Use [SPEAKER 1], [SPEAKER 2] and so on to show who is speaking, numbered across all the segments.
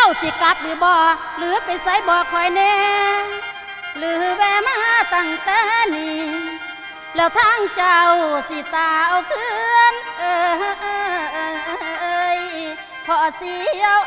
[SPEAKER 1] สิกลับหรือบ่หรือไปไสบ่คอยแน่หรือแวะมาตั้งแต่นี้แล้วทางเจ้าสิตาเอาคืนพอเสียว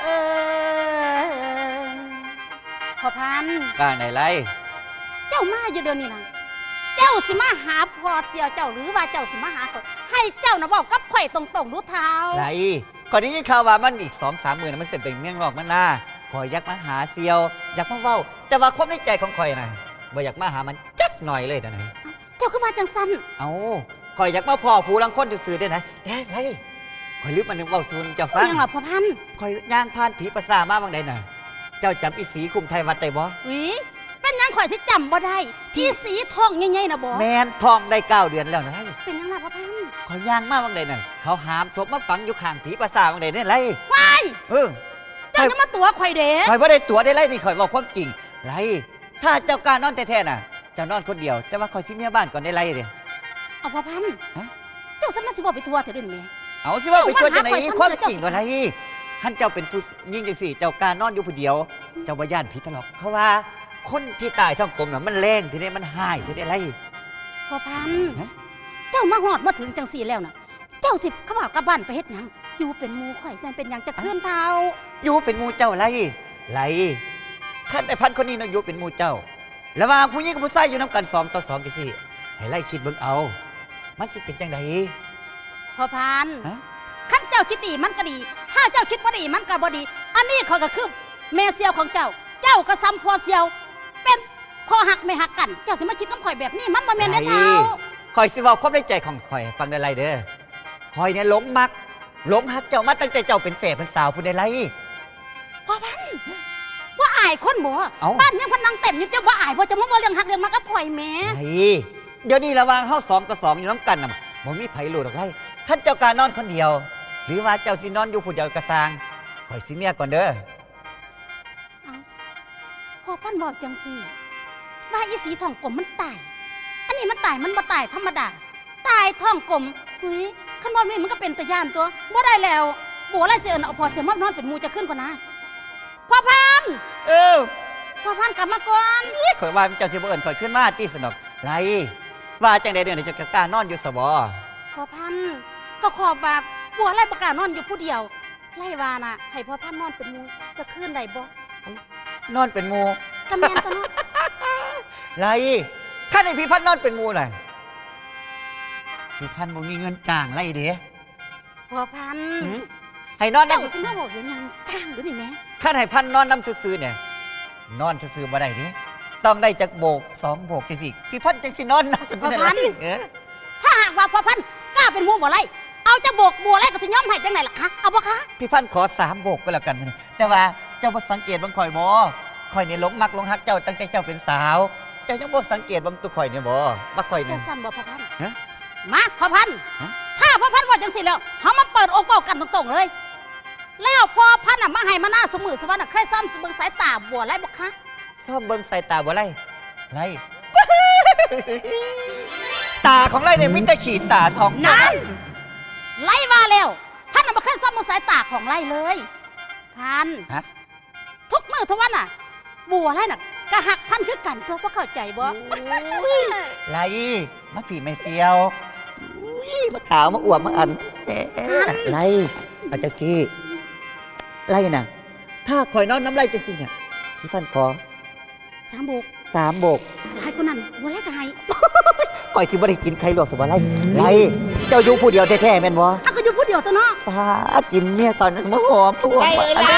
[SPEAKER 1] พอพัน
[SPEAKER 2] บ้านไหนไร
[SPEAKER 1] เจ้ามาอยู่เดี๋ยวนี้นะเจ้าสิมาหาพอเสียวเจ้าหรือว่าเจ้าสิมาหาข่อยให้เจ้านะบอกกับข่อยตรงๆรู้เท้า
[SPEAKER 2] ไรก่อนนี้ยินข่าวว่ามันอีก2-3 มื้อมันเสร็จเป็นเมี่ยงนอกมันหน้าข่อยอยากมาหาเสียวอยากมาเว้าแต่ว่าความในใจของข่อยนะบ่อยากมาหามันจักหน่อยเลยนะไหน
[SPEAKER 1] เจ้าก็ว่าจังสั้น
[SPEAKER 2] เอาข่อยอยากมาพ่อผู้ลังคนซื่อๆได้ไหนไรข่อยลืมมันเว้าซูนเจ้าฟัง
[SPEAKER 1] ยังหรอพ่อพัน
[SPEAKER 2] ข่อยย่างผ่านผีประสามาบางใดน่ะเจ้าจำอีสีคุมไทยวัดได้บ่
[SPEAKER 1] วิเป็นยังข่อยสิจำบ่ได้ที่สีทองใหญ่ๆนะบ่
[SPEAKER 2] แมนทองได้9 เดือนแล้วนะ
[SPEAKER 1] เป็นยังล่ะพ่อพัน
[SPEAKER 2] ข่อยย่างมาบางใดน่ะเขาหามศพมาฝังอยู่ข้างผีประสาบางใดนี่ไร
[SPEAKER 1] วายเจ้าจะมาตัวข่อยเด้
[SPEAKER 2] ข่อยบ่ได้ตัวได้ไรนี่ข่อยบอกความจริงไรถ้าเจ้าการนอนแท้ๆน่ะเจ้านอนคนเดียวแต่ว่าข่อยสิเมียบ้านก่อนได้ไรเด้
[SPEAKER 1] เอาพ่อพันเจ้าสมาสิบ่ไปทัวร์เถิดแม่
[SPEAKER 2] เอาสิว่าไปทัวร์จังได๋ความจริงว่าไรท่านเจ้าเป็นผู้ยิ่งจังสี่เจ้าการนอนอยู่ผู้เดียวเจ้าบ่ย่านผีตลอดเขาว่าคนที่ตายท้องกลมน่ะมันแรงทีนี้มันหายทีนี้ไร
[SPEAKER 1] พ่อพันเจ้ามาฮอดมาถึงจังสี่แล้วน่ะเจ้าสิเขาว่ากลับบ้านไปเฮ็ดหยังอยู่เป็นหมู่ข่อยแซ่เป็นหยังจะเคลื่อนเท้า
[SPEAKER 2] อยู่เป็นหมู่เจ้าไรท่านไอ้พันคนนี้น่ะอยู่เป็นหมู่เจ้าระหว่างผู้หญิงกับผู้ชายอยู่นำกัน2 ต่อ 2จังซี่ให้ไล่คิดเบิ่งเอามันสิเป็นจังได๋
[SPEAKER 1] พ่อพันขั้นเจ้าคิดดีมันก็ดีถ้าเจ้าคิดบ่ดีมันก็บ่ดีอันนี้เขาก็คือแม่เสียวของเจ้าเจ้าก็ซ้ำพ่อเสียวเป็นพ่อหักไม่หักกันเจ้าสิมาคิดน้ำข่อยแบบนี้มันบ่แม่นแน่เท้า
[SPEAKER 2] ข่อยสิเว้าความในใจของข่อยฟังได้ไรเด้อข่อยเนี่ยหลงมักหลงฮักเจ้ามาตั้งแต่เจ้าเป็นแฝดเป็นสาวผู้ใดไร
[SPEAKER 1] พ่อพันว่าอายคนบ่บ้านยังพนังเต็มอยู่เจ้าว่าอายบ่จะมาว่าเรื่องหักเรื่องมักกับข่อยแม่
[SPEAKER 2] เดี๋ยวนี้ระหว่างเฮา2 ต่อ 2อยู่น้ำกันน่ะบ่มีไผรู้ดอกไรท่านเจ้าการนอนคนเดียวหรือว่าเจ้าสินอนอยู่ผู้เดียวกระซางข่อยสิเมียก่อนเด้อ
[SPEAKER 1] พ่อพันบอกจังสิว่าอีสีทองกลมมันตายอันนี้มันตายมันบ่ตายธรรมดาตายทองกลมหุยขันบ่นี่มันก็เป็นตะย่านตัวบ่ได้แล้วบัวไรเสียเอาพอเสียมอบนอนเป็นมูจะขึ้นกว่านะพ่อพันพ่อพันกลับมาก่อน
[SPEAKER 2] ข่อยว่าเจ้าสิบ่เอิ้นข่อยขึ้นมาตีสนอกไรว่าจังใดเดือนนี้จะกล้านอนอยู่สบ
[SPEAKER 1] พ่อพันก็ขอบว่าบัวไรประกาศนอนอยู่ผู้เดียวไล่วาน่ะให้พ่อพันนอนเป็นมูจะขึ้นได้บ่
[SPEAKER 2] นอนเป็นมู
[SPEAKER 1] กำแมนตัวน้อง
[SPEAKER 2] ไรข้าในพี่พันนอนเป็นมูหน่อยพี่พันบ่มีเงินจ้างไรเด้
[SPEAKER 1] พ่อพัน
[SPEAKER 2] ให้นอน
[SPEAKER 1] เจ้าสิมาบอกยังจ้างหรือนี่แม่
[SPEAKER 2] ข้าให้พันนอนน้ำซื่อเนี่ยนอนซื่อบ่ได้เด้ต้องได้จากโบก2 โบกจังสิพี่พันจังสินอนน้ำซื่อ
[SPEAKER 1] พ่อพันถ้าหากว่าพ่อพันกล้าเป็นมูบ่ไรเอาจะโบกบัวไรก็สิย้อมให้จังไหนล่ะคะเอาบ่คะ
[SPEAKER 2] พี่พันขอ3 โบกก็แล้วกันแต่ว่าเจ้าบ่สังเกตบางข่อยบ่ข่อยเนี่ยหลงมักหลงฮักเจ้าตั้งแต่เจ้าเป็นสาวเจ้ายังบ่สังเกตบางตัวข่อยเนี่ยบ่ว่าข่อยเนี่ย
[SPEAKER 1] จะสั่นบ่พ่อพันมาพ่อพันถ้าพ่อพันว่าจังสิแล้วเฮามาเปิดอกเว้ากันตรงๆเลยแล้วพ่อพันน่ะมาให้มาหน้าเสมอสวรรค์น่ะเคยซ่อมเบิ่งสายตาบัวไรบ่คะ
[SPEAKER 2] ซ่อมเบิ่งสายตาบัวไรตาของไรเนี่ยมีแต่ฉีดตาทอง
[SPEAKER 1] นั่นไล่มาแล้วพันน่ะบ่เคยซ่อมเบิ่งสายตาของไรเลยพันทุกมื้อทุกวันน่ะบัวไรน่ะกะหักพันคือกันตัวพ่อเข้าใจบ่
[SPEAKER 2] ไรมาผีไม่เฟียวมาขาวมาอวบมาอันไรเอาจังสิไรน่ะถ้าคอยนอนน้ำไรจังสิเนี่ยพี่พันขอ
[SPEAKER 1] 3 โบก
[SPEAKER 2] 3 โบก
[SPEAKER 1] ไรคนนั้นบัวไรก็ให้
[SPEAKER 2] คอยสิบ่ได้กินใครหรอกสิบ่ไรเจ้าอยู่ผู้เดียวแท้ๆแม่นบ่
[SPEAKER 1] ถ้าก็อยู่ผู้เดียวตัวเนาะ
[SPEAKER 2] ตากินเนี่ยตอนนั้นมาหอมพวก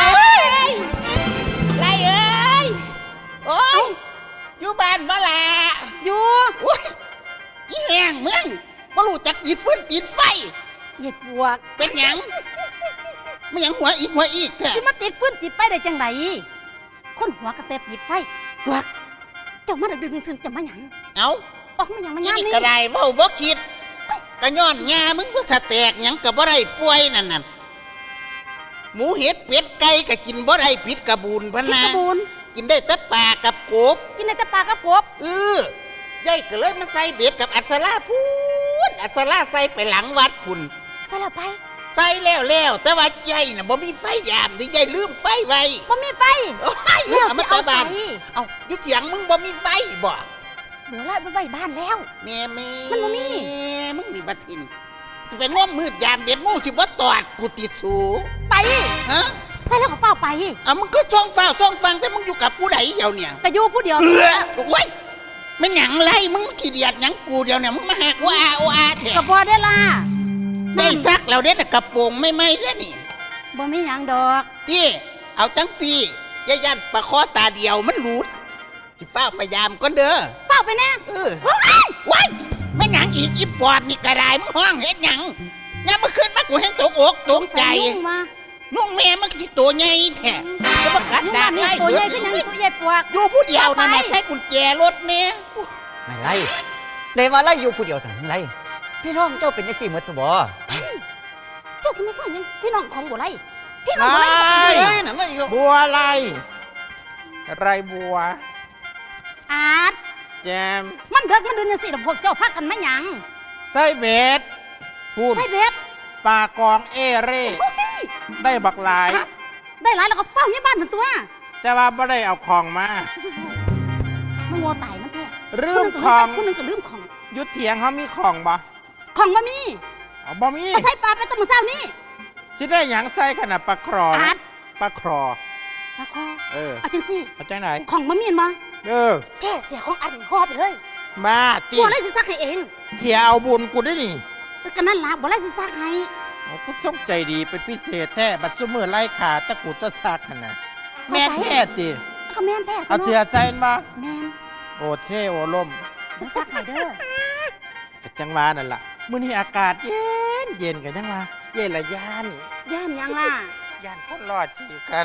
[SPEAKER 3] ไรเอ้ยโอ้ยอยู่บ้านบ่ล่ะ
[SPEAKER 1] อยู่
[SPEAKER 3] อุ้ยอีแหงมึงบ่รู้จักตีฟืนตีไฟ
[SPEAKER 1] เหยียดปวก
[SPEAKER 3] เป็นหยังไม่หยังหัวอีกแท้
[SPEAKER 1] สิมาติดฟืนติดไฟได้จังไดคนหัวกระเตบปิดไฟปวกเจ้ามาดึกๆซึ้งจะมาหยัง
[SPEAKER 3] เอ้า
[SPEAKER 1] ออกมาหยังมาหยังนี่
[SPEAKER 3] ก็ได้เว้าบ่คิดก็ย้อนหญ้ามึงบ่สะแตกหยังก็บ่ได้ป่วยนั่นหมูเห็ดเป็ดไก่ก็กินบ่ได้ผิดกระบูนพะนะกินได้แต่ปลากับกบ
[SPEAKER 1] กินได้แต่ปลากับกบ
[SPEAKER 3] ยายก็เลยมาใส่เบ็ดกับอัศราพูนอัศราใส่ไปหลังวัดพุ่น
[SPEAKER 1] ใส่แล้วไป
[SPEAKER 3] ใส่แล้วแต่ว่าใหญ่น่ะบ่มีไฟยามที่ใหญ่ลืมไฟไว้
[SPEAKER 1] บ่มีไฟ
[SPEAKER 3] โอ้ย
[SPEAKER 1] แล้วสิเอา
[SPEAKER 3] มบ้าน
[SPEAKER 1] ใส่
[SPEAKER 3] เอาอยู่เถียงมึงบ่มีไฟบ่
[SPEAKER 1] บัวไล่ไปไว้บ้านแล้ว
[SPEAKER 3] แม่
[SPEAKER 1] มันบ่มี
[SPEAKER 3] มึงนี่บัดทินสิไปง้มมืดยามเบ็ดงูสิบ่ตอดกูติดสู
[SPEAKER 1] ไป
[SPEAKER 3] ฮะ
[SPEAKER 1] ใส่แล้วก็เฝ้าไป
[SPEAKER 3] เอามึงก็ช่องฟ้าช่องฟังแต่มึงอยู่กับผู้ใดเดียวเนี่ย
[SPEAKER 1] ก็อยู่ผู้เดียว
[SPEAKER 3] โอ้ยไม่หยังไรมึงขี้เดียดหยังกูเดียวเนี่ยมึงมาหักว่าอาแท้
[SPEAKER 1] ก็บ่ได้ล่ะ
[SPEAKER 3] ได้ซักแล้วเด้น่ะกระโปรงไม่เด้อนี่
[SPEAKER 1] บ่มีหยังดอก
[SPEAKER 3] ที่เอาจังซี่ย่ายันประคอตาเดียวมันหลุดสิฟ้าพยายามก่อนเด้อ
[SPEAKER 1] เฝ้าไปแน่
[SPEAKER 3] ว้ายไม่หยังอีกอีปอดนี่กระไดมึงห้องเฮ็ดหยังยังเมื่อคืนมากูเห็นตกอกตกใจ
[SPEAKER 1] ยุ่งมา
[SPEAKER 3] นุ่งแม่มันสิตัวใหญ่แท้จะมากัด
[SPEAKER 1] ยุ่ง
[SPEAKER 3] ดา
[SPEAKER 1] มา
[SPEAKER 3] บ
[SPEAKER 1] นี่
[SPEAKER 3] ไล่
[SPEAKER 1] ตัวใหญ่ขึ้นยังตัวใหญ่ปวก
[SPEAKER 3] อยู่ผู้เดียวนั่น
[SPEAKER 1] ไป
[SPEAKER 3] น่ะใช้กุญแจรถเนี่ย
[SPEAKER 2] ไม่ไล่เลยว่าไล่อยู่ผู้เดียวสั่งไล่พี่น้องเจ้าเป็นจังซี่หมดซะบ่
[SPEAKER 1] เจ้าสมาสอนยังพี่น้องของบัวไล่พี่น้องบัวไล่ก็เป็น
[SPEAKER 2] เฮ้
[SPEAKER 1] ไง
[SPEAKER 2] ยนั่นไม่อีกแล้ว
[SPEAKER 4] บัวไรบัว
[SPEAKER 1] อาร์ต
[SPEAKER 4] แจม
[SPEAKER 1] มันเด็กมันเดินยังสิพวกเจ้าพักกันไม่หยัง
[SPEAKER 4] ไส้เบ็ดพูด
[SPEAKER 1] ใส่เบ็ด
[SPEAKER 4] ปลากองเอเร่
[SPEAKER 1] โอ้ย
[SPEAKER 4] ได้บักหลาย
[SPEAKER 1] ได้หลายแล้วก็เฝ้าเมียบ้านทั้งตัว
[SPEAKER 4] แต่ว่าไม่ได้เอาของมา
[SPEAKER 1] มันวัวตายมันแท้
[SPEAKER 4] ลืมของ
[SPEAKER 1] ผู้หนึงก็ลืมของ
[SPEAKER 4] ยุดเถียงเขามีของบ่
[SPEAKER 1] ของมามี
[SPEAKER 4] เอาบ่มี
[SPEAKER 1] ก็ใส่ปลาไปแตะมือเช้านี่
[SPEAKER 4] สิได้หยังใส่ขนาดปลาครอ
[SPEAKER 1] อาร์ต
[SPEAKER 4] ปลาครอ
[SPEAKER 1] ปลาคอ
[SPEAKER 4] เออ
[SPEAKER 1] เอาจังสิ
[SPEAKER 4] เอาจังไหน
[SPEAKER 1] ของมามีนมา
[SPEAKER 4] เออ
[SPEAKER 1] แค่เสียของอันหอบไปเลย
[SPEAKER 4] มาติ
[SPEAKER 1] บัวไล่สิซักให้เอง
[SPEAKER 4] เสียเอาบุญกูได้นี่
[SPEAKER 1] ก็นั่นล่ะบัวไล่สิซักให้
[SPEAKER 4] โอ้กูส่งใจดีเป็นพิเศษแท้บัดซุมือไล่ขาตะกูตะซักขนาดแม่นแท้ติ
[SPEAKER 1] แล้วก็แม่นแท้
[SPEAKER 4] เอาเสียใจมา
[SPEAKER 1] แม่น
[SPEAKER 4] โอเช่โอล่ม
[SPEAKER 1] เดี๋ยวซักให้เด้อ
[SPEAKER 4] ก็จังหวานั่นล่ะมื้อนี้อากาศเย็นกันจังหวาเย็นละย่าน
[SPEAKER 1] ย่านยังล่ะ
[SPEAKER 4] ย่านคนรอดฉีกกัน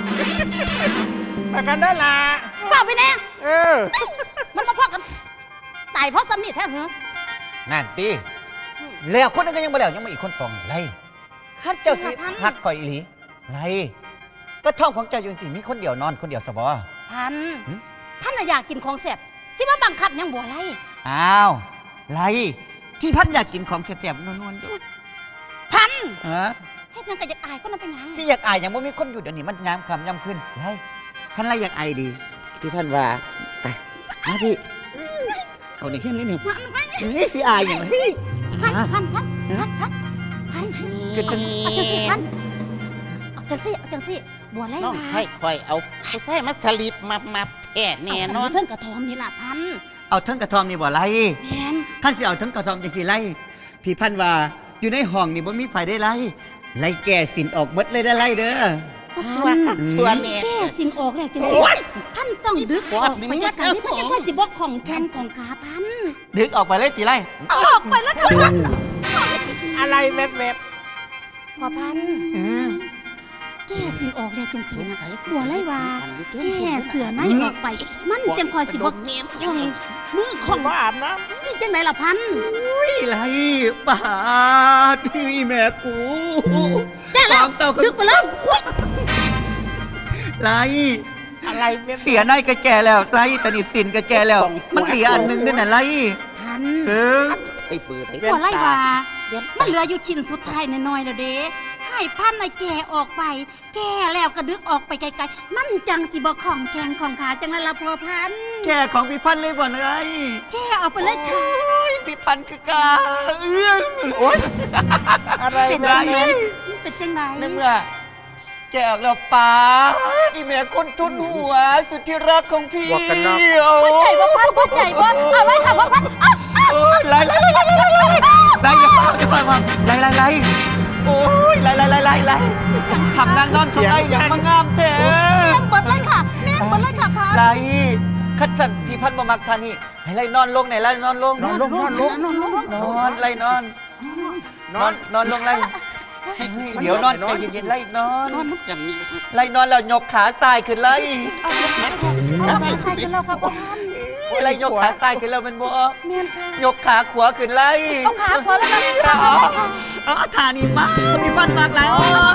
[SPEAKER 4] มากันได้อล่ะ
[SPEAKER 1] เฝ้าไปแน่
[SPEAKER 4] เออ
[SPEAKER 1] มันมาพอกันตายเพราะสามีแท้เหรอ
[SPEAKER 2] นั่นติแล้วคนนึงก็ยังบ่แล้วยังมาอีกคนสองไล่ข้าเจ้าสิหักก่อยอีหลีไล่ก็ท้องของเจ้าอยู่สิมีคนเดียวนอนคนเดียวซะบ่
[SPEAKER 1] พัน
[SPEAKER 2] หึ
[SPEAKER 1] พันน่ะอยากกินของแซ่บสิมาบังคับยังบัวไล่
[SPEAKER 2] อ้าวไล่ที่พันอยากกินของแซ่บๆนวลๆอยู่
[SPEAKER 1] พัน
[SPEAKER 2] ฮะ
[SPEAKER 1] เฮ็ดหยังก็อยากอายคนนั้นเป็นหยัง
[SPEAKER 2] พี่อยากอายอย่างว่ามีคนอยู่เดี๋ยวนี้มันยามคำยามขึ้นไล่พันไล่อยากอายดีที่พันว่าไปมาพี่เอาในเช่นนี้เนี่ยนี่สิอายอย่างพี่
[SPEAKER 1] พันพันพันพันพันพัน
[SPEAKER 2] ก็ต้อง
[SPEAKER 1] เอาจังสิพันเอาจังสิเอาจังสิบัวไล่
[SPEAKER 3] น้อง
[SPEAKER 1] มา
[SPEAKER 3] ค่อยเอาผู้ใส่มาสลิปมาแท้แน่นอน
[SPEAKER 1] เพิ่งกระทอมนี่ล่ะพัน
[SPEAKER 2] เอาทั้งกระทอมนี่บ่ไล่
[SPEAKER 1] แม่น
[SPEAKER 2] ท่านสิเอาทั้งกระทอมจังสิไล่พี่พันว่าอยู่ในห้องนี่บ่มีไผได้ไล่ไล่แก่สินออกหมดเลยได้ไล่เด้อ
[SPEAKER 3] ว่ากักตัวแน่
[SPEAKER 1] แก้สินออกแล้วจังสิ
[SPEAKER 3] โอ๊ย
[SPEAKER 1] พันต้องดึกออกไปจากการที่พันจะว่าสิบอกของแทนของกาพัน
[SPEAKER 2] ดึกออกไปเลยตีไล่
[SPEAKER 1] เอาออกไปแล้วค่ะพัน
[SPEAKER 4] อะไรแวบ
[SPEAKER 1] พอพัน แก้สินออกแล้วจังสีนะบัวไล่ว่าแก้เสือในออกไป มันจังคอยสิบอกของมือของ
[SPEAKER 4] ๆมาอาบน้
[SPEAKER 1] นี่จังไหนล่ะพัน
[SPEAKER 2] อุ้ยไล่ปาดพี่แม่กู
[SPEAKER 1] แก้แล้ว
[SPEAKER 2] ของเต่าก็
[SPEAKER 1] ดึกไปแล้วอุ๊ย
[SPEAKER 2] ไล่
[SPEAKER 4] ำอะไรแวบๆ
[SPEAKER 2] เสียในก็แก่แล้วไล่ตอนนี้สินก็แก่แล้ว มันเหลืออันหนึงด้วยน่ะไล่
[SPEAKER 1] พัน
[SPEAKER 2] เออ
[SPEAKER 3] ใส่ปืนให้
[SPEAKER 1] บัวไล่ว่า
[SPEAKER 3] เวียน
[SPEAKER 1] มันเหลืออยู่ชิ้นสุดท้ายน้อยๆแล้วเด้ให้พันน่ะแก่ออกไป แก่แล้วก็ดึกออกไปไกลๆมันจังสิบอกของแกงของขาจังนั้นละพอพัน
[SPEAKER 2] แก่ของพี่พันธุ์เลยบ่เลย
[SPEAKER 1] แก่ออกไปเลยค่ะ
[SPEAKER 2] โอ้ยพี่พันธุ์คือกาเอื้อง
[SPEAKER 4] โอ๊ยอะไร
[SPEAKER 1] เป็น
[SPEAKER 4] แว
[SPEAKER 1] จังไง
[SPEAKER 4] บ
[SPEAKER 1] เป็นจังไง
[SPEAKER 2] ในเมื่อแกออกแล้วป้าที่แม่คนทุนหัว สุดที่รักของพี่โอ้
[SPEAKER 1] พ่อใจบ่พันพ่อใจบ่เอาเลยค่ะพ่อพันอ้าวอ้าว
[SPEAKER 2] โอ้ยไล่อย่าฟังความไล่โอ้ยไล่ทำนางนอนเขาไล่อย่างมางามแท้
[SPEAKER 1] เมียนเบิดเลยค่ะเมียนเบิดเลยค่ะพัน
[SPEAKER 2] ไล่คัดสันพี่พันธุ์บ่มักทานี่ให้ไล่นอนลงไหนไล่นอนลง
[SPEAKER 4] ๆนอนลง
[SPEAKER 2] นอนไล่นอนลงไล่เดี๋ยวนอนใจเย็นๆไล่นอน
[SPEAKER 3] นอนนุกกันนี่
[SPEAKER 2] ไล่นอนแล้วยกขาซ้ายขึ้นไล่
[SPEAKER 1] เอาขาใส่กันแล้วค่ะพ่อพัน
[SPEAKER 2] ไล่ยกขาซ้ายขึ้นแล้วมันบ่
[SPEAKER 1] เมียนค่ะ
[SPEAKER 2] ยกขาขวาขึ้นไล่
[SPEAKER 1] เอาขาขวาแล้วนะ
[SPEAKER 2] ท่านี้มากมีฟันมากหลาย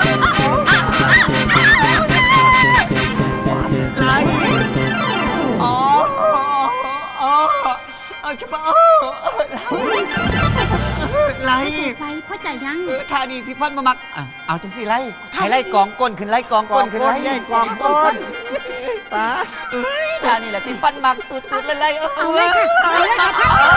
[SPEAKER 2] ไล่อ๋อเอาจะมาไล่
[SPEAKER 1] ไปพ่อใจยัง
[SPEAKER 2] ท่านี้ที่พันมามักเอาจังสิไล่ให้ไล่กองก้นขึ้นไล่กองก้นขึ้นไล่
[SPEAKER 4] ใหญ่กองต้นป้า
[SPEAKER 2] ท่านี้แหละที่พันมักสุดๆเลยไล่
[SPEAKER 1] เอาเลยค่ะเอาเลยค่ะ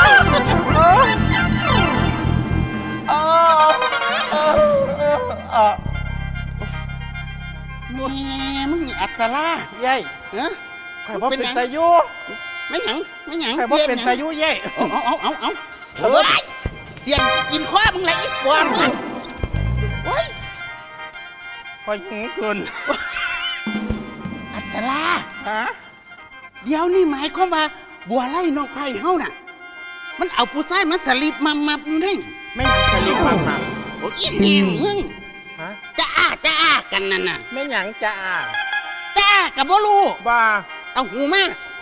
[SPEAKER 3] แม่มึงนี่อัศรา
[SPEAKER 4] ใหญ่
[SPEAKER 3] เอ้อ
[SPEAKER 4] ข่อยบ่เป็น
[SPEAKER 3] หยัง
[SPEAKER 4] ตายุ
[SPEAKER 3] ไม่หยังไม่หยัง
[SPEAKER 4] ข่อยบ่เป็นตายุใหญ่
[SPEAKER 3] เอาเฮ้ยเสียนกินข้อมึงไรอีกกว่ามึงโอ้ย
[SPEAKER 4] ข่อยหิวเกิน
[SPEAKER 3] อัศรา
[SPEAKER 4] ฮะ
[SPEAKER 3] เดี๋ยวนี่หมายความว่าบัวไล่น้องไผ่เฮาน่ะ มันเอาผู้ชายมันสลิปมับอยู่นี่
[SPEAKER 4] ไม่หยังสลิปมาหนัก
[SPEAKER 3] โอ้ยอีแหงมึง
[SPEAKER 4] ฮะ
[SPEAKER 3] จะอ้ากันนั่นน่ะ
[SPEAKER 4] ไม่หยังจ้า
[SPEAKER 3] จะอ้ากับบ่รู้
[SPEAKER 4] บ้า
[SPEAKER 3] เอาหูมา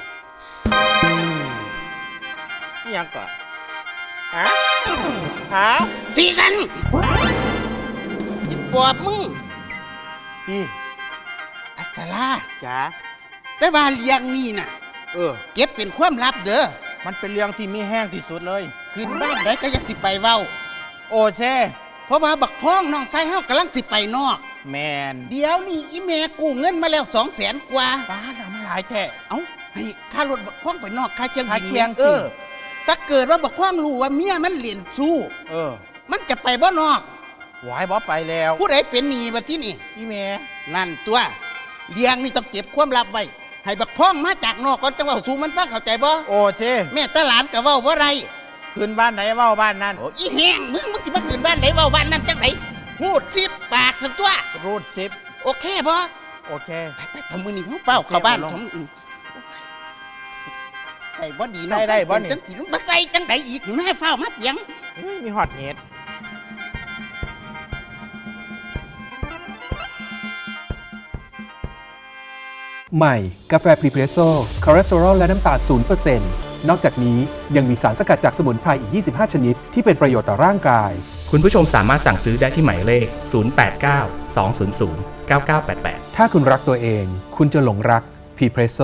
[SPEAKER 4] อิหยังก่อนฮะฮะ
[SPEAKER 3] สีกันอีปอบมึง
[SPEAKER 4] พี่
[SPEAKER 3] อัศรา
[SPEAKER 4] จ๋า
[SPEAKER 3] แต่ว่าเลี้ยงนี่น่ะ เก็บเป็นความลับเด้อ
[SPEAKER 4] มันเป็นเรื่องที่มีแห้งที่สุดเลย
[SPEAKER 3] ขึ้นบ้านได้ก็อยังสิไปเว้า
[SPEAKER 4] โอเซ่
[SPEAKER 3] เพราะว่าบักพ้องน้องชายเฮากำลังสิไปนอก
[SPEAKER 4] แมน
[SPEAKER 3] เดี๋ยวนี่อีแม่กู้เงินมาแล้ว200,000 กว่า
[SPEAKER 4] ป้าทำมาหลายแท้
[SPEAKER 3] เอ้าให้ค่ารถบักพ้องไปนอกค่าเชียงบิน
[SPEAKER 4] ค่าเชียง
[SPEAKER 3] ถ้าเกิดว่าบักพ้องรู้ว่าเมียมันเรียนสู้ มันจะไปบ่นอก
[SPEAKER 4] หวายบอไปแล้ว
[SPEAKER 3] ผู้ใดเป็นหนี้บัดที่นี่
[SPEAKER 4] พี่เมย์
[SPEAKER 3] นั่นตัวเลี้ยงนี่ต้องเก็บความลับไว้ให้บักพ้องมาจากนอกก่อนจังเว่าสู่มันฟังเข้าใจบ่
[SPEAKER 4] โอเซ่
[SPEAKER 3] แม่ตาหลานก็เว้าบ่ไร
[SPEAKER 4] ขึ้นบ้านไหนเว้าบ้านนั้น
[SPEAKER 3] โอ้อีแห้งมึงสิมาขึ้นบ้านไหนเว้าบ้านนั้นจังไดพูดสิปากสันตัว
[SPEAKER 4] รูดซิป
[SPEAKER 3] โอเคบ่
[SPEAKER 4] โอเค
[SPEAKER 3] ไปทำมือนี่เฝ้าเข้าบ้านทำใส่บ่ดีเนาะ
[SPEAKER 4] ใส่ได้บ่นี่
[SPEAKER 3] จังสิมาใส่จังไดอีกแม่เฝ้ามาเปียง
[SPEAKER 4] เฮ้ยมีฮอตเห็ด
[SPEAKER 5] ใหม่ กาแฟพรีเพรสโซ่คอเลสเตอรอลและน้ำตาล0%นอกจากนี้ยังมีสารสกัดจากสมุนไพรอีก 25 ชนิด ที่เป็นประโยชน์ต่อร่างกาย
[SPEAKER 6] คุณผู้ชมสามารถสั่งซื้อได้ที่หมายเลข 089 200 9988
[SPEAKER 5] ถ้าคุณรักตัวเอง คุณจะหลงรักพรีเพรสโซ่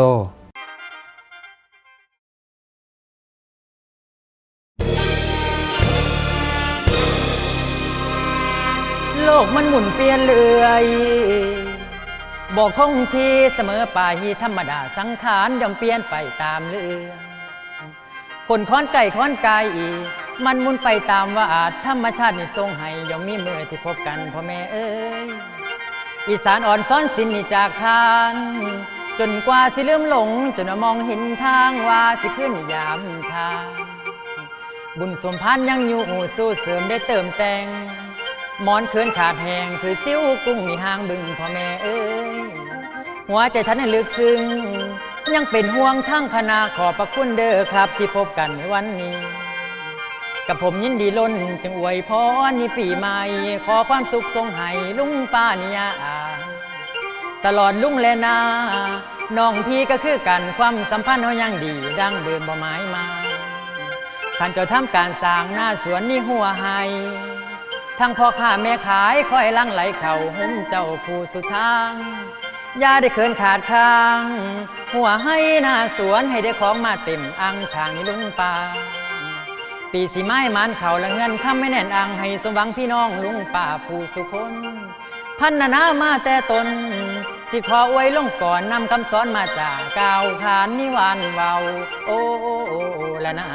[SPEAKER 7] โลกมันหมุนเปลี่ยนเรื่อยบอกคงที่เสมอไปธรรมดาสังขารย่อมเปลี่ยนไปตามเรื่องคนค้อนไก่ค้อนไก่มันหมุนไปตามว่าอาจธรรมชาตินี่ทรงให้ย่อมมีมือที่พบกันพ่อแม่เอ้ยอีสานอ่อนซ้อนสินนี่จากทานจนกว่าสิลืมหลงจนมองเห็นทางว่าสิขึ้นยามทางบุญสมพันธ์ยังอยู่สู้เสริมได้เติมแต่งหมอนเคืนขาดแหงคือซิ้วกุ้งมีหางบึงพ่อแม่เอ้ยหัวใจท่านให้ลึกซึ้งยังเป็นห่วงทั้งคณะขอบพระคุณเด้อครับที่พบกันในวันนี้กับผมยินดีล้นจึงอวยพรในปีใหม่ขอความสุขทรงให้ลุงป้านิยาตลอดลุงและนาน้องพี่ก็คือกันความสัมพันธ์เฮายังดีดังเดิมบ่หมายมาท่านเจ้าทำการสร้างหน้าสวนนี่หัวให้ทั้งพ่อค้าแม่ขายคอยลังไหลเข่าหุ้มเจ้าผู้สุดทางอย่าได้เขินขาดข้างหัวให้หน้าสวนให้ได้ของมาเต็มอังช่างนี่ลุงป่าปีสีไม้มันเข่าละเงินคำไม่แน่นอังให้สมหวังพี่น้องลุงป่าผู้สุคนพันนามาแต่ตนสิขออวยลงก่อนนำคำสอนมาจากกล่าวขานนิวานเว้าโอ้ละนะ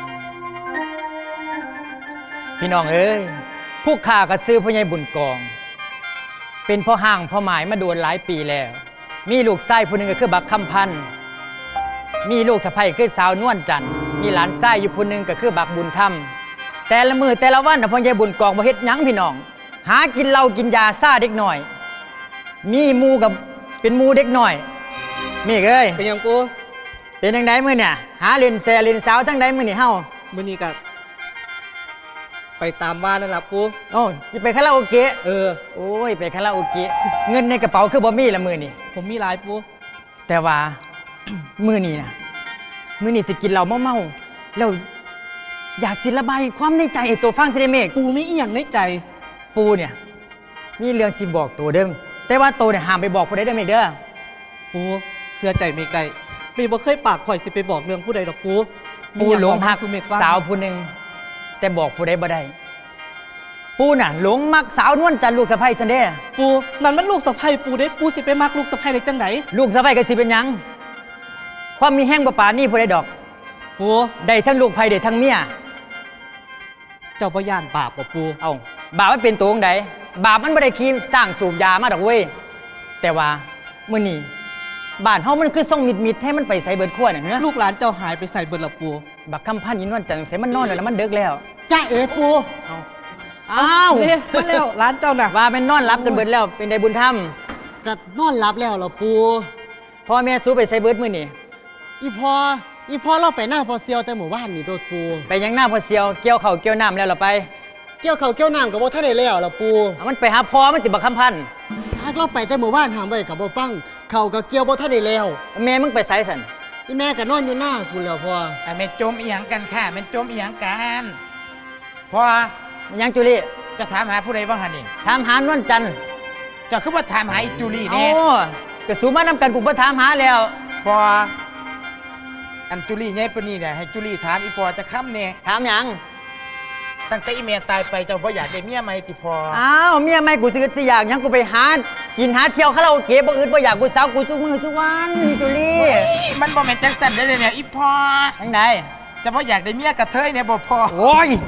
[SPEAKER 7] พี่น้องเอ้ยผู้ข่าก็ซื้อพ่อใหญ่บุญกองเป็นพ่อห่างพ่อหมายมาโดนหลายปีแล้วมีลูกไส้ผู้หนึ่งก็คือบักคำพันธ์มีลูกสะใภ้คือสาวนวลจันทร์มีหลานไส้อยู่ผู้หนึ่งก็คือบักบุญธรรมแต่ละมือแต่ละวันพ่อใหญ่บุญกองบ่เฮ็ดหยังพี่น้องหากินเหล้ากินยาซ่าเด็กหน่อยมีหมูกับเป็นหมูเด็กหน่อยมีเอ้ย
[SPEAKER 8] เป็นหยังปู
[SPEAKER 7] เป็นจังไดมื้อเนี่ยหาเล่นแซ่เล่นสาวจังไดมื้อนี่เฮา
[SPEAKER 8] มื้อนี้ก็ไปตามบ้านนั่นล่ะปู
[SPEAKER 7] โอ้ยไปคาราโอเกะ โอ้ยไปคาราโอเกะเงินในกระเป๋าคือบ่มีละมื้อนี่
[SPEAKER 8] ผมมีหลายปู
[SPEAKER 7] แต่ว่า มื้อนี้นะมื้อนี้สิกินเหล้าเมาๆแล้วอยากสิระบายความในใจให้ตัวฟังสิได้เมฆ
[SPEAKER 8] ปูมีอีหยังในใจ
[SPEAKER 7] ปูเนี่ยมีเรื่องสิบอกตัวเด้อแต่ว่าตัวเนี่ยห้ามไปบอกผู้ใดเด้อเมฆเด้อ
[SPEAKER 8] ปูเสื้อใจเมกได้เมกบ่เคยปากข่อยสิไปบอกเรื่องผู้ใดดอกปู
[SPEAKER 7] ปูหลงหัก
[SPEAKER 8] มีหยับอกมาสู่เมกฟัง
[SPEAKER 7] สาวผู้หนึงแต่บอกผู้ใดบ่ได้ปูน่ะหลงมักสาวนวลจันทร์ลูกสะใภ้ซันเด้
[SPEAKER 8] ปูนั่นมันลูกสะใภ้ปูเด้ปูสิไปมักลูกสะใภ้ได้จังได
[SPEAKER 7] ลูกสะใภ้ก็สิเป็นหยัง ความมีแห้งบ่ปานนี่ผู้ใดดอก
[SPEAKER 8] ปู
[SPEAKER 7] ได้ทั้งลูกไผได้ทั้งเมีย
[SPEAKER 8] เจ้าบ่ย่านบาปบ่ปู
[SPEAKER 7] เอาบาปมันเป็นตัวของใดบาปมันบ่ได้คีสร้างสูบยามาดอกเว้ยแต่ว่ามื้อนี้บ้านเฮามันคือส่งมิดๆให้มันไปใส่เบิดขั้วน่ะเฮ้อ
[SPEAKER 8] ลูกหลานเจ้าหายไปใส่เบิดละปู
[SPEAKER 7] บักคำพันธ์ยินวันจันทร์ใส่มันนอนแล้วมันเดึกแล้ว
[SPEAKER 2] จ้าเอ๋ปู
[SPEAKER 7] อ้าว
[SPEAKER 8] เด้มาแล้วร้านเจ้าน่ะ
[SPEAKER 7] ว่าเป็นนอนรับจนเบิดแล้วเป็นได้บุญธรรม
[SPEAKER 2] ก็นอนหลับแล้วเหรอปู
[SPEAKER 7] พ่อแม่สู้ไปใส่เบิดมื้อนี้
[SPEAKER 2] อีพอเราไปหน้าพอเซียวแต่หมู่บ้านนี่ตัวปู
[SPEAKER 7] ไปยังหน้าพ่อเสียวเกี่ยวข้าวเกี่ยวน้ำแล้วเราไป
[SPEAKER 2] เกี่ยวเขาวเกี่ยวน้ำกับบ่ท่านได้แล้วเหรอปู
[SPEAKER 7] เอามันไปหาพ่อมันติบักคำพันธ์
[SPEAKER 2] ถ้าเราไปแต่หมู่บ้านหามไว้กับบ่ฟังเขาก็เกี่ยวบ่ท่านได้แล้ว
[SPEAKER 7] แม่มึงไปใส่สัน
[SPEAKER 2] อีแม่ก็นอนอยู่หน้าคุณแล้วพ่อ
[SPEAKER 4] ไอ้แม่จมอีหยังกันค่ะแม่จมอีหยังกันพอ
[SPEAKER 7] มันยังจุลี่
[SPEAKER 4] จะถามหาผู้ใดบ้างฮะนี่
[SPEAKER 7] ถามหานวลจันทร์
[SPEAKER 4] เจะคือว่าถามหาอีจูลี่
[SPEAKER 7] โอ้
[SPEAKER 4] เนี่ย
[SPEAKER 7] กระสูมานำกันกูบ่ถามหาแล้ว
[SPEAKER 4] พออันจูลี่ไงปานนี่เนี่ยให้จูลี่ถามอีพอจะค้ำเนี่ย
[SPEAKER 7] ถามหยัง
[SPEAKER 4] ตั้งแต่อีเมียตายไปเจ้าพ่ออยากได้เมียไหมติพอ
[SPEAKER 7] อ้าวเมียไม่กูสิอยากหยังกูไปหากินหาเที่ยวคาราโอเกะบ่อื่นบ่อยากกูสาวกูซุมือซุวันนี่จุลี่
[SPEAKER 4] มันบ่แม่นจังสันได้เลยเนี่ยอีพอ
[SPEAKER 7] จังได
[SPEAKER 4] เจะพ่ออยากได้เมียกระเทยเนี่ยบ่พอ
[SPEAKER 7] โอ้ย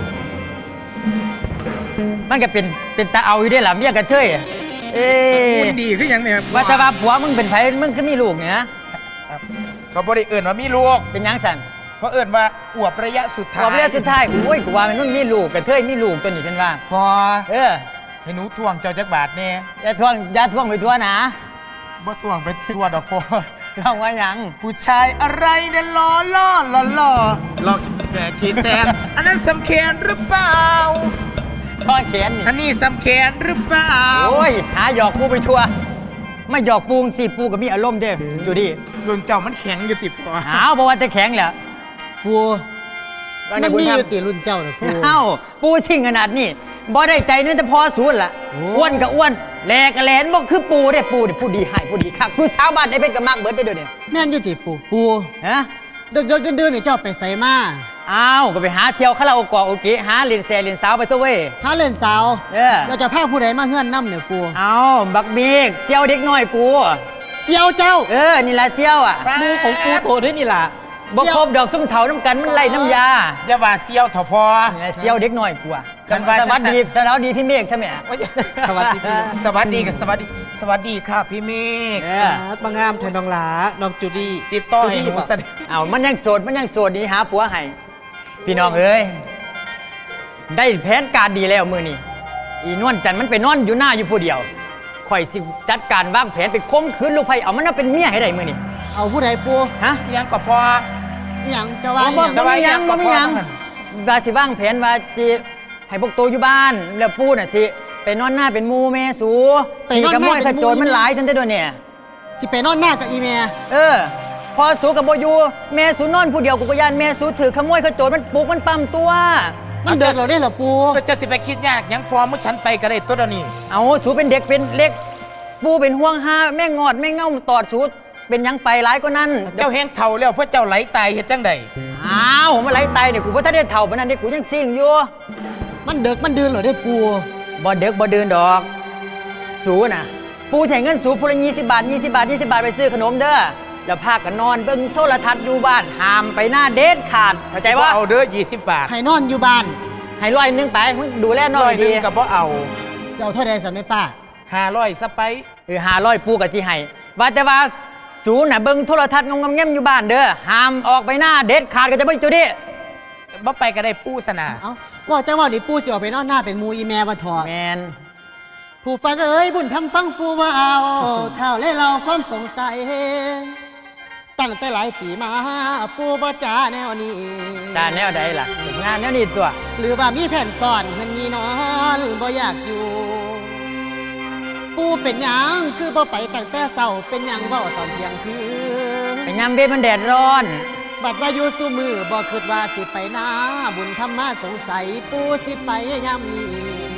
[SPEAKER 7] มันก็เป็นตาเอาอยู่ได้ล่ะเมียกระเทยเอ้ย
[SPEAKER 4] คุณดีคือหยังเนี่ย
[SPEAKER 7] ว่าแต่ว่าผัวมึงเป็นไผมึงคือมีลูกเนี่ย
[SPEAKER 4] เขาบ่ได้เอิ้นว่ามีลูก
[SPEAKER 7] เป็นหยังสัน
[SPEAKER 4] เขาเอิ้นว่าอวบระยะสุดท้าย
[SPEAKER 7] บอกเรียกสุดท้ายโอ้ยกูว่ามันมีลูกกระเทยมีลูกตัวนี้เป็นว่า
[SPEAKER 4] พอ
[SPEAKER 7] เออ
[SPEAKER 4] ให้หนูทวงเจ้าจักบาทแน่
[SPEAKER 7] อย่าท่วงไปทั่วนะ
[SPEAKER 4] บ่ทวงไปทั่วดอกพอ
[SPEAKER 7] ท่องว่าหยัง
[SPEAKER 4] ผู้ชายอะไรเนี่ยล้อหลอกแก่ขีดแตนอันนั้นสำเคนหรือเปล่า
[SPEAKER 7] ข้อแขนนี่
[SPEAKER 4] อันนี้สำเคนหรือเปล่า
[SPEAKER 7] โอ้ยหาหยอกปูไปทั่วไม่หยอกปูงสิปูก็มีอารมณ์เด้จูดี้
[SPEAKER 4] รุ่นเจ้ามันแข็งอยู่ติพอ
[SPEAKER 7] หาวบอกว่าจะแข็งแหละ
[SPEAKER 2] ปูมันมีอยู่ติรุ่นเจ้าน่ะปู
[SPEAKER 7] เอ้าปูสิ่งขนาดนี้บ่ได้ใจนั่นแต่พอศูนย์ล่ะ
[SPEAKER 2] โอ้
[SPEAKER 7] อ้วนก็อ้วนแหลกก็แหลนบ่คือปูได้ปูนี่ผู้ดีให้ผู้ดีคักผู้สาวบ้านได้เป็นกับมากเบิดได้เด้อเนี่ย
[SPEAKER 2] แม่นอยู่ติปู
[SPEAKER 7] ฮะ
[SPEAKER 2] เดือดๆนี่เจ้าไปใส่มา
[SPEAKER 7] อ้าวก็ไปหาเที่ยวคาราโอเกะหาเล่นแซ่เล่นสาวไปตัวเว้ย
[SPEAKER 2] หาเล่นสาว
[SPEAKER 7] เออ
[SPEAKER 2] เราจะพาผู้ใดมาเฮือนน้ำเนี่ยปู
[SPEAKER 7] เอาบักบีกเซี่ยวเด็กน้อยกู
[SPEAKER 2] เซียวเจ้า
[SPEAKER 7] เออนี่ล่ะเซี่ยวอ่ะ
[SPEAKER 8] หมูของปูโตได้นี่ล่ะ
[SPEAKER 7] บ่ครบดอกซุ่มเถาน้ำกันมันไล่น้ำยา
[SPEAKER 4] อย่าว่าเซี่ยวเถอะพอ
[SPEAKER 7] นี่ล่ะเซี่ยวเด็กน้อยกูอ่ะ
[SPEAKER 4] คันว่า
[SPEAKER 7] ส
[SPEAKER 4] จะ
[SPEAKER 7] วัสดีสวัสดีพี่เมฆท่านแม่
[SPEAKER 4] โอ้ย
[SPEAKER 8] สวัสดีพี่
[SPEAKER 4] สวัสดีกับสวัสดี สวัสดีค่ะพี่เมฆ
[SPEAKER 7] เออ
[SPEAKER 8] มางามแทนน้องหลาน้องจูดี้
[SPEAKER 4] ติดต่อให้หนูแสดง
[SPEAKER 7] เอามันยังโสดดีหาผัวให้พี่น้องเอ้ยได้แผนการดีแล้วมือนี่อีนวลจันทร์มันไปนอนอยู่หน้าอยู่ผู้เดียวข่อยสิจัดการวางแผนไปข่มขืนลูกไผ่เอามันมาเป็นเมียให้ได้มือนี่
[SPEAKER 2] เอาผู้ใดปู
[SPEAKER 7] ฮะ
[SPEAKER 4] ยังก็พอ
[SPEAKER 2] อหย่างจะว่าอห
[SPEAKER 7] บ่
[SPEAKER 2] ย่าง
[SPEAKER 7] บ่มีหยัง
[SPEAKER 4] ก็
[SPEAKER 7] บ่
[SPEAKER 4] พอ
[SPEAKER 7] มีหยัง
[SPEAKER 4] มัน
[SPEAKER 7] ว่าสิวางแผนว่าสิให้พวกโตอยู่บ้าน แล้วปูน่ะสิไปนอนหน้าเป็นหมูแม่สูขโมยขโจรมันหลายทันได้ด้วยเนี่ย
[SPEAKER 2] สิไปนอนหน้ากับอีเมีย
[SPEAKER 7] เออ พอสูกับโบอยูแม่สูนอนผู้เดียวกูก็ยานแม่สูถือขโมยขโจรมันปลุกมันปั๊มตัว
[SPEAKER 2] มันเดือดเราได้เหรอปู
[SPEAKER 4] ก็จะสิไปคิดยากหยังพอมุฉันไปก็ได้ตัวเดียวนี้
[SPEAKER 7] เอาสูเป็นเด็กเป็นเล็ก ปูเป็นห่วงหาแม่งอดแม่เง่าตอดสูเป็นหยังไปหลายก็นั่น
[SPEAKER 4] เจ้าแห้งเท่าแล้วเพื่อเจ้าไหลตายเฮ็ดจังใด
[SPEAKER 7] อ้าวมาไหลตายเนี่ยกูว่าถ้าได้เท่าปานนั้นเด็กกูยังซิ่งอยู่
[SPEAKER 2] มันเดือดมันเดือดเหรอได้ปู
[SPEAKER 7] บ่เด็กบ่เดินดอก สูน่ะ ปูแถงเงินสูพูละ20 บาท20 บาท20 บาทไปซื้อขนมเด้อแล้วพากันนอนเบิ่งโทรทัศน์อยู่บ้านห้ามไปหน้าเด็ดขาดเข้าใจว่า
[SPEAKER 4] เอาเด้อ20 บาท
[SPEAKER 2] ให้นอนอยู่บ้าน
[SPEAKER 7] ให้ร้อยหนึงไปมึงดูแลน้อ
[SPEAKER 4] ร้อย ยหนึ
[SPEAKER 7] ดี
[SPEAKER 4] งก็บ่เอา
[SPEAKER 2] จะเอาเท่าใดสัมไม่ป้า
[SPEAKER 4] 500ซะไป
[SPEAKER 7] 500ปูกับสิให้ว่าแต่ว่าสูน่ะเบิ่งโทรทัศน์งงๆแง่มอยู่บ้านเด้อห้ามออกไปหน้าเด็ดขาดก็จะบ่จุดนี้
[SPEAKER 4] บ่ไปก็ได้ปูสนา
[SPEAKER 2] เอ้าว่าจังว่านี่ปูสิออกไปนอนหน้าเป็นหมูอีแม่ว่าถอด
[SPEAKER 7] แมน
[SPEAKER 2] ผู้ฟังเอ้ยบุญทำฟังปูว่าเอาเท่าและเราความสงสัย ตั้งแต่หลายปีมาปูบ่จ้าแนวนี้
[SPEAKER 7] จานแนวใดล่ะงานแนวนี้ตัว
[SPEAKER 2] หรือว่ามีแผ่นซ่อนมันมีนอนบ่อยากอยู่ ปูเป็นหยังคือบ่ไปตั้งแต่เช้าเป็นหยังเว้าตอนเที่ยงคืน
[SPEAKER 7] ไปยามเบ็ดมันแดดร้อน
[SPEAKER 2] บัดว่าอยู่สู้มือบ่คิดว่าสิไปนาบุญธรรมาสงสัยปูสิไปยามนี้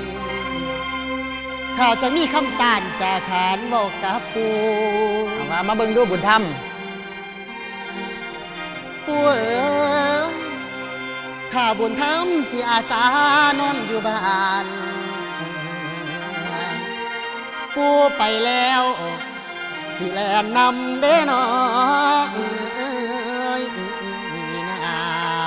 [SPEAKER 2] ถ้าจะมีคำตานจะขานเว้ากับปู
[SPEAKER 7] เอามาเบิ่งดูบุญธรรม
[SPEAKER 2] ปูเอ๋ยถ้าบุญธรรมสิอาสานอนอยู่บ้าน
[SPEAKER 9] ปูไปแล้วสิแลนนำเด้นอนะ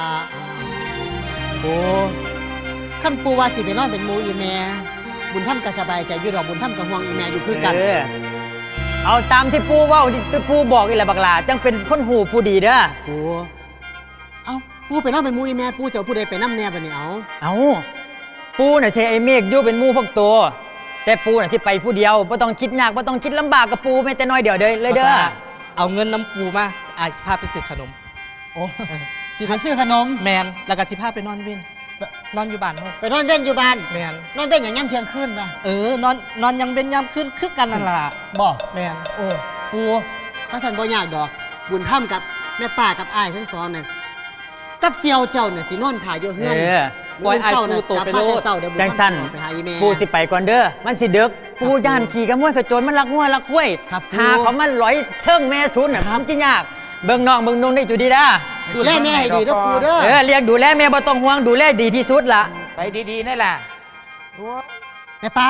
[SPEAKER 9] ปูขั้นปูว่าสิไปนอนเป็นหมูอีแม่บุญท่านก็สบายใจอยู่ดอกบุญท่านก็ห่วงอีแม่อยู่คือกัน
[SPEAKER 7] เอาตามที่ปูเว่าที่ปูบอกอีแหละบักหลาจังเป็นคนหูผู้ดีเด้อ
[SPEAKER 9] ปูเอาปูไปนอนเป็นหมูอีแม่ปูจะเอาผู้ใดไปน้ำแน่บัดนี้เอา
[SPEAKER 7] เอาปูน่ะเซไอเมฆอยู่เป็นหมู่พวกตัวแต่ปูน่ะสิไปผู้เดียวบ่ต้องคิดยากบ่ต้องคิดลำบากกับปูแม้แต่น้อยเดียวเลยเด้อ
[SPEAKER 8] เอาเงินน้ำปูมาอายสิพาไปซื้อขนม
[SPEAKER 9] โอ้สิไปซื้อขนม
[SPEAKER 8] แมนแล้วก็สิพาไปนอนเว้นนอนอยู่บ้านเนาะ
[SPEAKER 9] ไปนอนเว้นอยู่บ้าน
[SPEAKER 8] แมน
[SPEAKER 9] นอนเว้นอย่างย่ำเที่ยงคืนป่ะ
[SPEAKER 8] นอนยังเป็นยามขึ้นคือกันนั่นล่ะ
[SPEAKER 9] บ่
[SPEAKER 8] แมน
[SPEAKER 9] โอ้ปูพระสันบ่ยากดอก บุญถ้ำกับแม่ป้ากับอ้ายทั้งสองนั่นกับเซียวเจ้าเนี่ยสินอนถ่ายอยู่เฮือน
[SPEAKER 8] ปล่อยไอ้ายปูโตไปโลด
[SPEAKER 9] เจ้าเดี๋ยวบุญ
[SPEAKER 7] จังสั้น
[SPEAKER 9] ไปหาอีแม่
[SPEAKER 7] ปูสิไปก่อนเด้อมันสิดึกปูย่านขี่กระมวยกระโจนมันรักงัวรักห้วย
[SPEAKER 9] ครับปู
[SPEAKER 7] หาเขามันลอยเชิงแม่ศูนย์น่ะมันสิยากเบิ่งน้องเบิ่งนุ่งได้จุดีด้า
[SPEAKER 9] ดูแลแม่ให้ดีเด้อปูเด้อ
[SPEAKER 7] เรียกดูแลแม่บ่ต้องห่วงดูแลดีที่สุดล่ะ
[SPEAKER 4] ไปดีๆนี่แหละ
[SPEAKER 9] แม่ป้า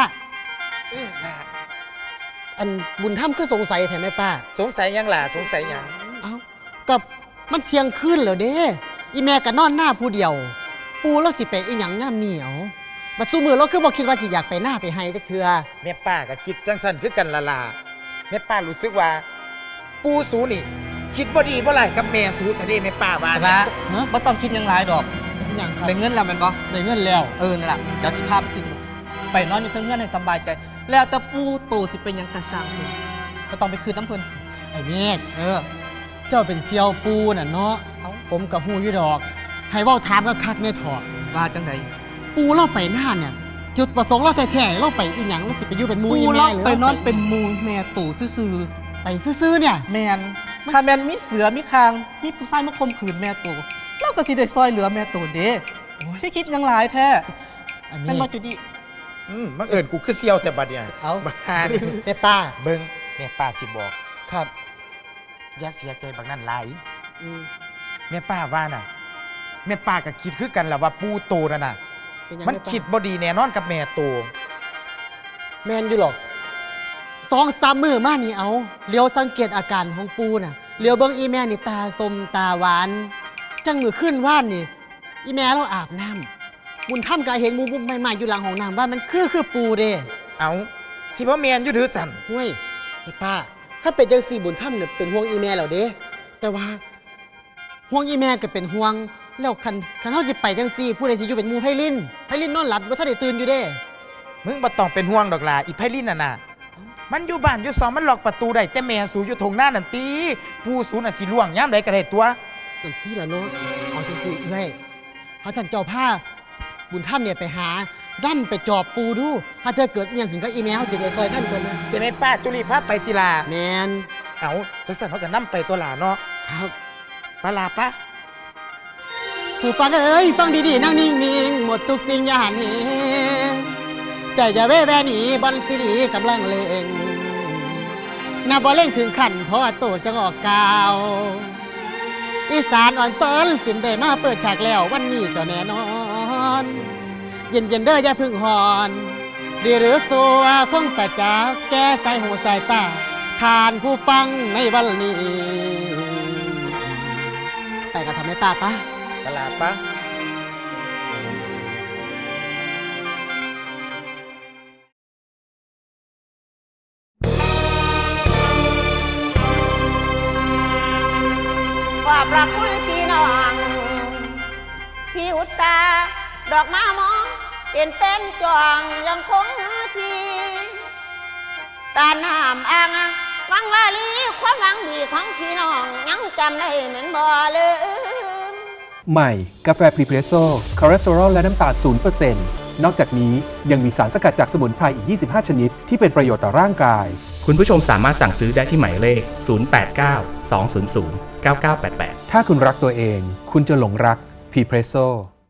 [SPEAKER 9] อันบุญถ้ำคือสงสัยแท้แม่ป้า
[SPEAKER 4] สงสัยยังล่ะสงสัยยัง
[SPEAKER 9] เอ้ากับมันเที่ยงคืนแล้วเด้อีแม่ก็นอนหน้าผู้เดียว ปูแล้วสิไปอีหยังย่ามเหนียวบัดซุมือเราคือบ่คิดว่าสิอยากไปหน้าไปให้จักเทื่อ
[SPEAKER 4] แม่ป้าก็คิดจังสันคือกันละล่ะแม่ป้ารู้สึกว่า ปูสูนี่ คิดบ่ดีบ่ไรกับแม่สูสะเด้แม่ป้าว่า
[SPEAKER 8] แต่
[SPEAKER 4] นะ
[SPEAKER 8] ว่าบ่ต้องคิดหยังหลายดอก
[SPEAKER 9] อีหยังครับ
[SPEAKER 8] ได้เงินแล้วแม่นบ่
[SPEAKER 9] ได้เงินแล้ว
[SPEAKER 8] นั่นล่ะเดี๋ยวสิพาไปซื้อขนมไปนอนอยู่เทั้งเงินให้สบายใจ แล้วแต่ปูโตสิเป็นหยังกระซังนี่ก็ต้องไปคืนน้ำเพิ่น
[SPEAKER 9] ไอ้เมฆ
[SPEAKER 8] เ
[SPEAKER 9] เจ้าเป็นเซียวปูน่ะเนาะ
[SPEAKER 8] เอ้า
[SPEAKER 9] ผมกับฮู้อยู่ดอก ให้เว้าถามก็คักแน่ถอด
[SPEAKER 8] ว่าจังได
[SPEAKER 9] ปูเราไปหน้าเนี่ย จุดประสงค์เราแท้ๆเราไปอีหยังเราสิไปอยู่เป็นหมู
[SPEAKER 8] ปู
[SPEAKER 9] อี
[SPEAKER 8] ล็
[SPEAKER 9] แม่
[SPEAKER 8] อก
[SPEAKER 9] หรือ
[SPEAKER 8] ไปนอน
[SPEAKER 9] รา
[SPEAKER 8] เป็นหมูแม่ตู่ซื่อ
[SPEAKER 9] ไปซื่อๆเนี่ย
[SPEAKER 8] ๆแมนถ้าแมนมีเสือมีคางมีผู้ชายมาข่มขืนแม่ตู่เราก็สิได้ซอยเหลือแม่ตู่เด้พี่คิดหยังหลายแท้
[SPEAKER 9] ไอ้เม
[SPEAKER 8] แม่นบ่
[SPEAKER 9] ฆ
[SPEAKER 8] จุดี
[SPEAKER 4] บังเอิญกูคือเซียวแต่บัดเนี่ย
[SPEAKER 8] เอา
[SPEAKER 4] บ้าน
[SPEAKER 9] แม่ป้า
[SPEAKER 4] เบิ่งแม่ป้าสิบอก
[SPEAKER 9] ครับ
[SPEAKER 4] อย่าเสียใจบักนั้นหลาย
[SPEAKER 9] อืม
[SPEAKER 4] แม่ป้าว่าน่ะแม่ป้าก็คิดคือกันแหละว่าปูโตนั่นน่ะ
[SPEAKER 9] เป็นหยัง
[SPEAKER 4] มัน
[SPEAKER 9] แป้า
[SPEAKER 4] คิดบ่ดีแน่นอนกับแม่โต
[SPEAKER 9] แมนอยู่หรอก2-3 มื้อมานี่เอาเลี้ยวสังเกตอาการของปูน่ะเลี้ยวเบิ่งอีแม่นี่ตาสมตาหวาน จังมือขึ้นว่านนี่ อีแม่เราอาบน้ำบุญถ้ำก็เห็นหมูบุ้มใหม่ๆอยู่หลังห้องน้ำว่ามันคือปูเด้
[SPEAKER 4] เอาสิบ่แม่นอยู่ถือสั่น
[SPEAKER 9] ห้วยไอ้ป้าถ้าเป็นจังสี่บุญถ้ำเนี่ยเป็นห่วงอีแม่แล้วเด้แต่ว่าห่วงอีแม่ก็เป็นห่วงแล้วคันเฮาสิไปจังสี่ผู้ใดสิอยู่เป็นหมู่ไพลินนอนหลับบ่ทันได้ตื่นอยู่เด้
[SPEAKER 4] มึงบ่ต้องเป็นห่วงดอกล่ะอีไพลินน่ะน่ะมันอยู่บ้านอยู่ซองมันล็อกประตูได้แต่แม่สูอยู่ทงหน้านั่นตีผู้สูน่ะสิล่วงยามใดก็ได้ตัว
[SPEAKER 9] นั่นที่ละเนาะเอาจังสี่เอ้ยเฮาท่านเจ้าผ้าบุญถ้ำเนี่ยไปหาดั้มไปจอบปูดูถ้าเธอเกิดอีหยังถึงกับอีแม่เฮาสิได้ซอยท่านตัวนั้น
[SPEAKER 4] เสียแม่ป้าจุลีพาไปติลา
[SPEAKER 9] แม่น
[SPEAKER 4] เอาจังซั่นเฮาก็นํไปตัวหลาเนาะ
[SPEAKER 9] ครับ
[SPEAKER 4] ปลาปะ
[SPEAKER 9] ผู้ฟังเอ้ยฟังดีๆนั่งนิ่งๆหมดทุกสิ่งอย่าหันเหใจจะแว่แวหนีบอลสิรีกำลังเล่งนับบ่เล่งถึงขันเพราะว่าโตจะออกกาว อีสานอ่อนซ้อนสินได้มาเปิดฉากแล้ววันนี้เจ้าแน่นอน เย็นๆเด้ออย่าพึ่งหอนดีหรือสัวคงประจักษ์แก้สายหูสายตาทานผู้ฟังในวันนี้ ไปกันทำให้ป้าปะ
[SPEAKER 4] ปลาปะ
[SPEAKER 10] ขอบพระคุณพี่น้องที่อุตส่าห์ดอกมามองเป็นจองยังคงทีตาน้ำอ่างวังวาลีความหวังดีของพี่น้องยังจำได้เหมือนบ่ลืม
[SPEAKER 5] ใหม่ กาแฟพรีเพรสโซ่คอเลสเตอรอลและน้ำตาล 0% นอกจากนี้ยังมีสารสกัดจากสมุนไพรอีก 25 ชนิด ที่เป็นประโยชน์ต่อร่างกาย
[SPEAKER 6] คุณผู้ชมสามารถสั่งซื้อได้ที่หมายเลข 089 200 9988
[SPEAKER 5] ถ้าคุณรักตัวเอง คุณจะหลงรักพรีเพรสโซ่